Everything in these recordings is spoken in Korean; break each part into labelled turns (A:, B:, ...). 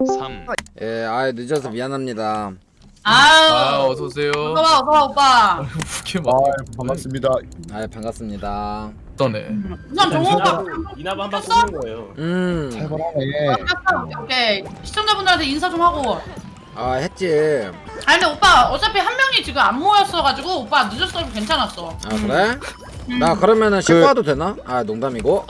A: 3.
B: 예, 늦어서 미안합니다.
C: 아유,
D: 어서오세요.
C: 어서와 오빠.
D: 이렇게 막
E: 반갑습니다.
B: 반갑습니다.
D: 떠네.
C: 우선 정호 오빠
A: 이나바 한번 쏘는 거예요.
E: 살벌하네.
C: 오케이 시청자분들한테 인사 좀 하고.
B: 했지.
C: 아니 근데 오빠 어차피 한 명이 지금 안 모였어가지고 오빠 늦었어도 괜찮았어.
B: 그래? 나 그러면은 씻고 와도 되나? 농담이고.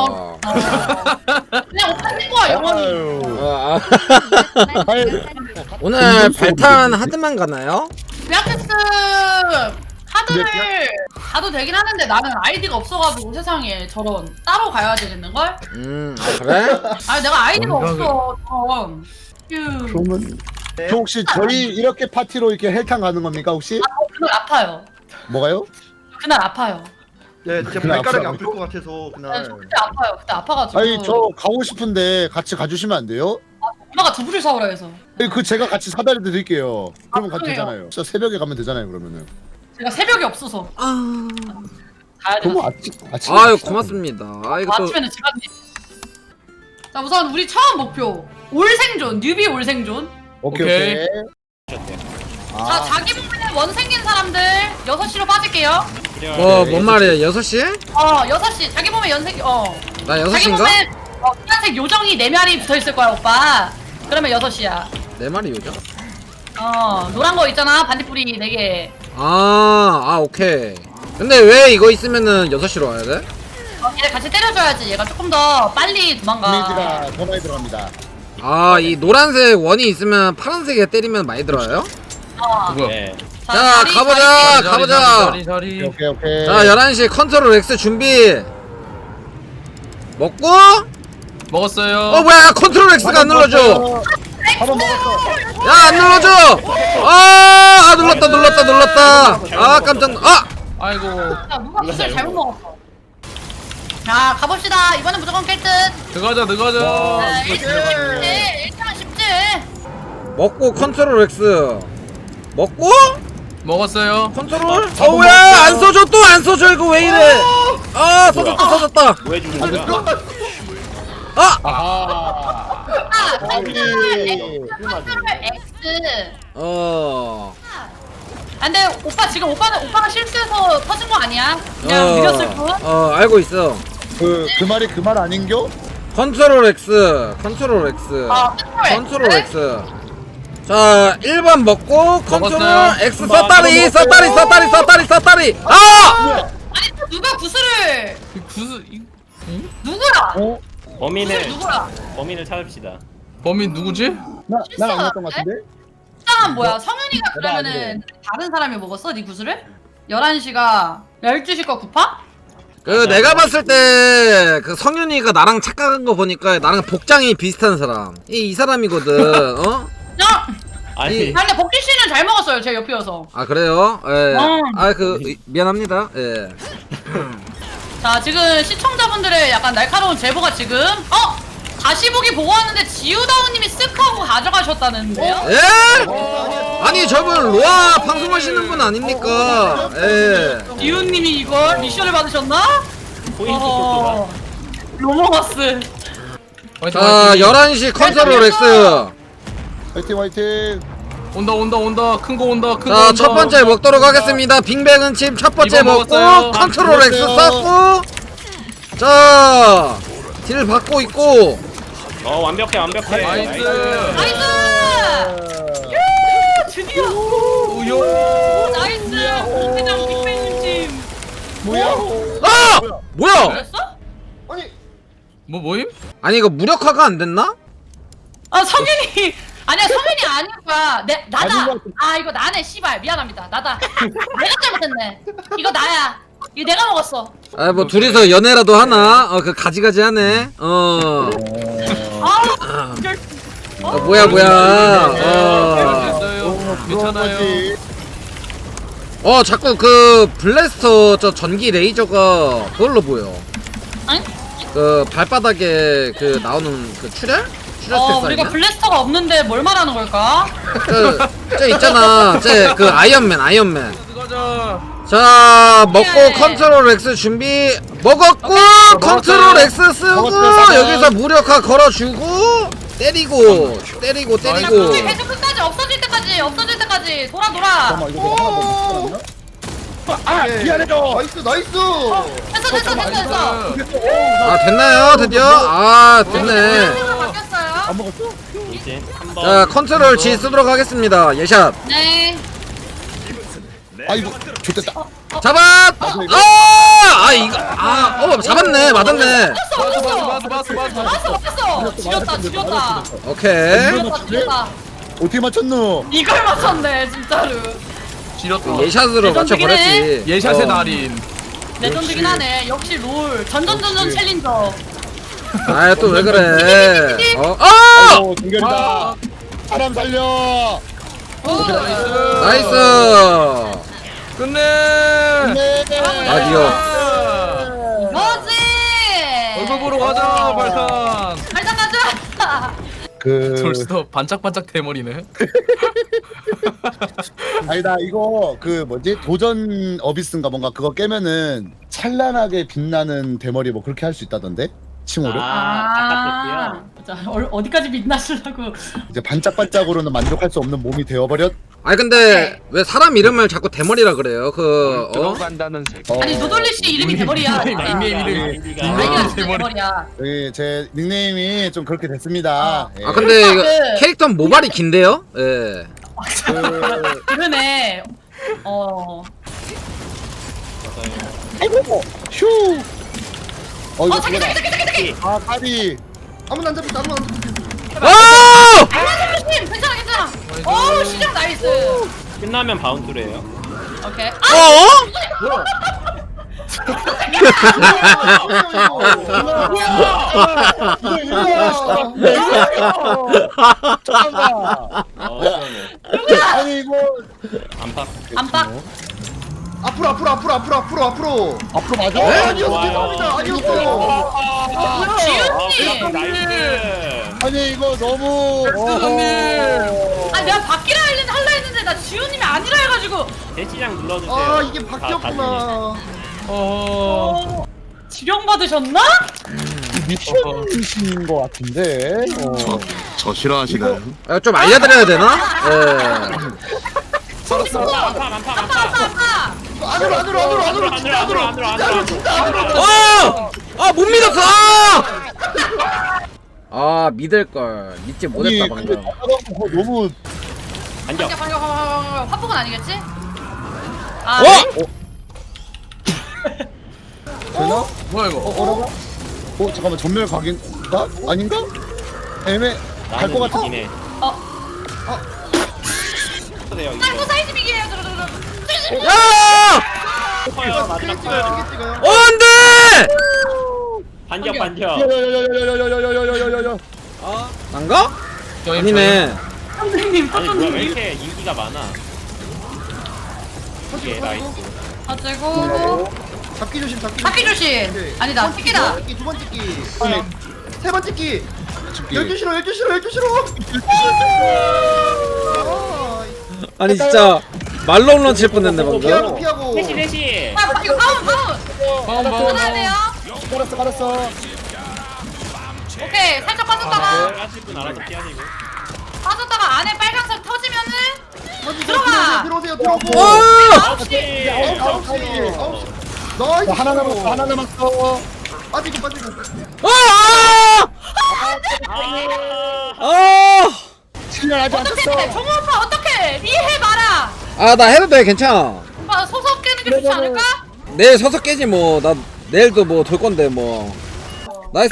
C: 그냥 오빠 친구야 영원히.
B: 오늘 발탄 하드만 가나요?
C: 리아테스 하드를 가도 되긴 하는데 나는 아이디가 없어가지고 세상에 저런 따로 가야 되겠는걸?
B: 그래?
C: 아니 내가 아이디가
D: 뭔가
C: 없어 저런. 휴.
E: 그러면 저 혹시 저희 이렇게 파티로 이렇게 헬탕 가는 겁니까 혹시?
C: 그날 아파요.
E: 뭐가요?
C: 그날 아파요.
F: 네, 제
E: 그날
F: 발가락이
E: 아프다고요?
F: 아플 것 같아서
C: 네,
F: 그날.
C: 저 그때 아파요. 그때 아파가지고.
E: 아니 저 가고 싶은데 같이 가주시면 안 돼요?
C: 엄마가 두부를 사오라 해서.
E: 그 제가 같이 사다 드릴게요. 그러면 가도
C: 그래요?
E: 되잖아요. 진짜 새벽에 가면 되잖아요 그러면은.
C: 제가 새벽이 없어서 가야 돼.
E: 그럼 아침.
B: 아유 고맙습니다. 이거 또
C: 아침에는 집 안에. 자 우선 우리 처음 목표 올 생존 뉴비 올 생존.
E: 오케이.
C: 자 자기 몸에 원 생긴 사람들 6시로 빠질게요.
B: 뭔 말이야? 6시?
C: 6시 자기 몸에 연색
B: 나
C: 자기
B: 6시인가?
C: 몸에 파란색 요정이 4마리 붙어있을 거야 오빠. 그러면 6시야.
B: 내 말이 요죠?
C: 노란 거 있잖아 반딧불이 4개.
B: 오케이. 근데 왜 이거 있으면은 6시로 와야 돼?
C: 얘를 같이 때려줘야지 얘가 조금 더 빨리 도망가.
E: 데미지가 더 많이 들어갑니다.
B: 이 노란색 원이 있으면 파란색에 때리면 많이 들어요?
D: 뭐야?
A: 네.
B: 자,
C: 자리,
B: 가보자.
C: 자리.
D: 자리.
E: 오케이.
B: 자 11시 컨트롤 X 준비. 먹고?
D: 먹었어요.
B: 뭐야 컨트롤 X가 안 눌러줘.
E: 밥은 먹었어.
B: 야 안 눌러줘. 눌렀다. 깜짝
D: 아이고.
C: 야 누가 구슬 잘못 먹었어. 자 가봅시다. 이번엔 무조건 깰 듯.
D: 들어가자.
C: 1등은 쉽지.
B: 먹고 컨트롤 X 먹고
D: 먹었어요.
B: 컨트롤 뭐야 안 써줘 또 안 써줘 이거 왜 이래. 써졌다.
A: 왜 죽는 거야?
C: 컨트롤 X. 근데 오빠 지금 오빠가 실수해서 터진 거 아니야? 그냥 느렸을 뿐.
B: 알고 있어.
E: 그 말이 그 말 아닌겨?
B: 컨트롤 X 컨트롤 X. 자 1번 먹고 컨트롤
D: 먹었어요.
B: X 썼다리.
C: 아니 또 누가 구슬을
D: 구스
C: 누구야? 구슬
A: 범인을
C: 누구야?
A: 찾읍시다.
D: 범인 누구지?
E: 난 아니었던 것 같은데?
C: 일단 뭐야? 성현이가 그러면은 다른 사람이 먹었어? 네 구슬을? 11시가 12시 거 구파?
B: 내가 봤을 때 그 성윤이가 나랑 착각한 거 보니까 나랑 복장이 비슷한 사람 이 사람이거든.
C: 야!
A: 아니
C: 근데 복귀 씨는 잘 먹었어요. 제 옆이어서.
B: 그래요? 미안합니다. 예.
C: 자 지금 시청자분들의 약간 날카로운 제보가 지금 다시 보기 보고 왔는데 지우다우님이 쓱 하고 가져가셨다는데요?
B: 예? 아니 저분 로아 방송하시는 분 아닙니까? 예.
C: 지우님이 이걸 미션을 받으셨나?
A: 포인트 속도가
C: 로머거스.
B: 자 11시 컨트롤 X.
E: 화이팅.
D: 온다. 큰 거 온다.
B: 자 첫 번째 먹도록 하겠습니다. 빙백은 칩 첫 번째
D: 이번
B: 먹고
D: 먹었어요.
B: 컨트롤 X
E: 먹었어요.
B: 쌓고 자 딜 받고 있고
A: 완벽해.
D: 나이스.
C: 나이스! 드디어!
D: 우요.
C: 나이스! 회장 빅뱅님 팀!
B: 뭐야?
C: 그랬어?
D: 모임?
B: 아니 이거 무력화가 안 됐나?
C: 성현이! 아니야 성현이 아닐 거야. 나다!
E: 아닌 것
C: 이거 나네 씨발 미안합니다. 나다. 내가 잘못했네. 이거 나야. 이거 내가 먹었어.
B: 뭐 둘이서 연애라도 하나? 그 가지가지 하네. 뭐야.
D: 됐어요. 괜찮아요.
B: 자꾸 그 블래스터 저 전기 레이저가 그걸로 보여.
C: 아니?
B: 그 발바닥에 그 나오는 그 출혈 스택
C: 우리가
B: 아니야?
C: 블래스터가 없는데 뭘 말하는 걸까?
B: 저 있잖아. 그 아이언맨.
D: 들어가자.
B: 자 먹고
C: 예.
B: 컨트롤 X 준비 먹었고 컨트롤 X 쓰고
E: 먹었어요.
B: 여기서 무력화 걸어주고 때리고 때리고
C: 자,
B: 때리고.
C: 굳이 계속 끝까지 없어질 때까지 돌아.
E: 잠깐만 이거 내가 하나 더 먹었나? 아 미안해요.
F: 나이스 나이스.
C: 됐어.
B: 아 됐나요 드디어? 아 됐네.
C: 바뀌었어요.
E: 안 먹었어?
A: 이제 한번
B: 자 컨트롤 G 쓰도록 하겠습니다. 예샷.
C: 네.
E: 아 이거 좋됐다.
B: 잡았. 아 이거 잡았네 맞았네.
C: 맞았어. 지렸다.
B: 오케이.
E: 어떻게 맞췄노?
C: 이걸 맞췄네 진짜로.
D: 지렸다.
B: 예샷으로 맞춰버렸지.
D: 예샷의 달인.
C: 레전드긴 하네. 역시 롤 전전 챌린저.
B: 아 또 왜 그래? 아!
E: 오 동결이다. 사람 살려.
B: 나이스.
D: 끝내.
E: 네.
B: 아디오.
C: 뭐지?
D: 얼굴 보러 가자 발탄.
C: 발상 가자.
D: 벌써 반짝반짝 대머리네.
E: 아니다 이거 그 뭐지 도전 어비스인가 뭔가 그거 깨면은 찬란하게 빛나는 대머리 뭐 그렇게 할 수 있다던데 칭호를
A: 아까
C: 자, 어디까지 빛나시려고?
E: 이제 반짝반짝으로는 만족할 수 없는 몸이 되어버렸.
B: 아니 근데 왜 사람 이름을 자꾸 대머리라 그래요? 그
C: 아니 노돌리 씨 이름이 대머리야.
D: 닉네임 이름.
C: 닉네임이 대머리야.
E: 예, 제 닉네임이 좀 그렇게 됐습니다. 예.
B: 아 근데 이거 캐릭터 모발이 긴데요? 예.
C: 그러네.
E: 아이고 휴. 이거
C: 자기.
E: 아 까비.
F: 아무나 안 잡혔다. 아무나 안 잡혔다.
B: 오!
C: 조심. 괜찮아. 오 시작 나이스.
A: 끝나면 바운드래요.
C: 오케이.
A: 시원해.
E: 아니 이거
A: 안팎.
C: 안박.
F: 앞으로.
E: 앞으로 맞아?
F: 아니었어. 죄송합니다. 아니었어.
C: 지윤님.
A: 나이스.
E: 아니 이거 너무.
C: 아 내가 바뀌라 할라 했는데 나 지윤님이 아니라 해가지고.
A: 대시장 눌러주세요.
F: 아 이게 바뀌었구나.
C: 지령 받으셨나?
E: 미션이신 것 같은데.
G: 저 싫어하시나요?
B: 아, 좀 알려드려야 되나? 예.
C: 아빠.
F: 안으로. 진짜 안으로.
B: 못 믿었어! 아 믿을걸. 믿지 못했다 방금.
E: 너무.
A: 반격.
C: 반격. 화폭은 아니겠지?
E: 되나?
D: 뭐야 이거?
E: 잠깐만 전멸 각인가? 아닌가? 애매. 갈 것 같은.
A: 이네.
C: 짱구 사이즈 비기예요.
B: 야!
F: 크게 찍어요.
B: 안돼!
A: 반격.
E: 야야야야야야야야야야야야야야.
B: 난가? 아니네.
C: 선생님
A: 아니 뭐야 왜 이렇게 인기가 많아? 이게 나이스.
C: 가지고
F: 잡기 조심.
C: 바퀴 조심. 아니다 피기다.
F: 두 번 찍기. 세 번 찍기. 12시로.
B: 아니 진짜 말로 홈런 칠 뻔했네 방금.
F: 피하고.
A: 대시.
C: 이거 바운. 끊어야 돼요.
E: 깔았어.
C: 오케이 살짝 빠졌다가
A: 하실 분 알아서 피하시고.
C: 안에 빨간색 터지면은 들어가.
F: 들어오세요.
B: 오!
F: 9시. 나이스.
E: 하나 남았어.
F: 빠지고.
E: 실력 아직 안
C: 어떡해
E: 쳤어.
C: 정우 오빠 어떡해 이해해봐라.
B: 나 해도 돼 괜찮아.
C: 오빠 소속 깨는 게 좋지 않을까?
B: 내일 서서 깨지 뭐. 나 내일도 뭐 돌 건데 뭐. 나이스.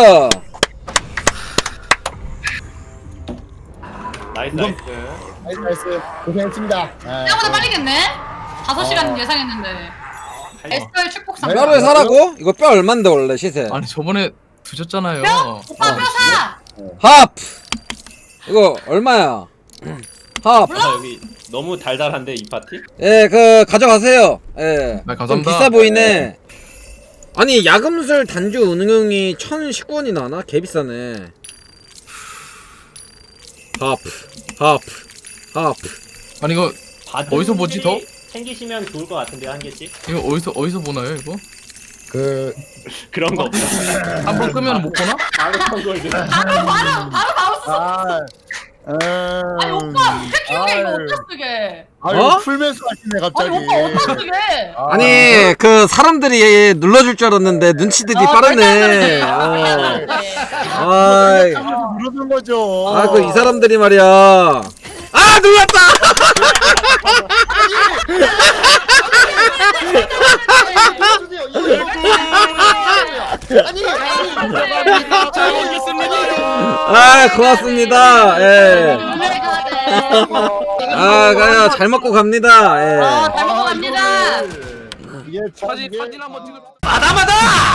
E: 나이스. 고생했습니다.
C: 생각보다 빨리겠네. 5시간 예상했는데. SR 축복상.
B: 뼈를 사라고? 이거 뼈 얼만데 원래 시세?
D: 아니 저번에 드셨잖아요.
C: 오빠 뼈 사.
B: 하프. 이거 얼마야? 하프.
A: 여기 너무 달달한데 이 파티?
B: 예, 그 가져가세요. 예.
D: 네, 감사합니다.
B: 좀 비싸 보이네. 아니 야금술 단주 은흥이 1,019원이 나나? 개 비싸네. 하프.
D: 아니 이거 어디서 보지, 더?
A: 챙기시면 좋을 것 같은데요 한 개씩?
D: 이거 어디서 보나요 이거?
A: 그런 거 없어.
D: 한 번 끄면 못 보나?
A: 바로 선거를
C: 바로 마우스 아니 오빠 패키오게 이거 어디다 쓰게?
E: 아유
B: 어?
E: 풀면서 하시네
C: 아니
E: 갑자기.
C: 오빠 어디다 쓰게?
B: 아니 그 사람들이 눌러줄 줄 알았는데 눈치들이 빠르네. 아이,
E: 누르는 거죠.
B: 아 그 이 사람들이 말이야. 아 눌렀다.
A: 잘 먹겠습니다.
B: 아 고맙습니다. 예.
C: 오늘 가야 돼.
B: 아 가요 잘 먹고 갑니다. 예.
C: 잘 먹고 갑니다.
E: 이게 참 이게-
D: 사진 한번 찍을.
B: 마다마다.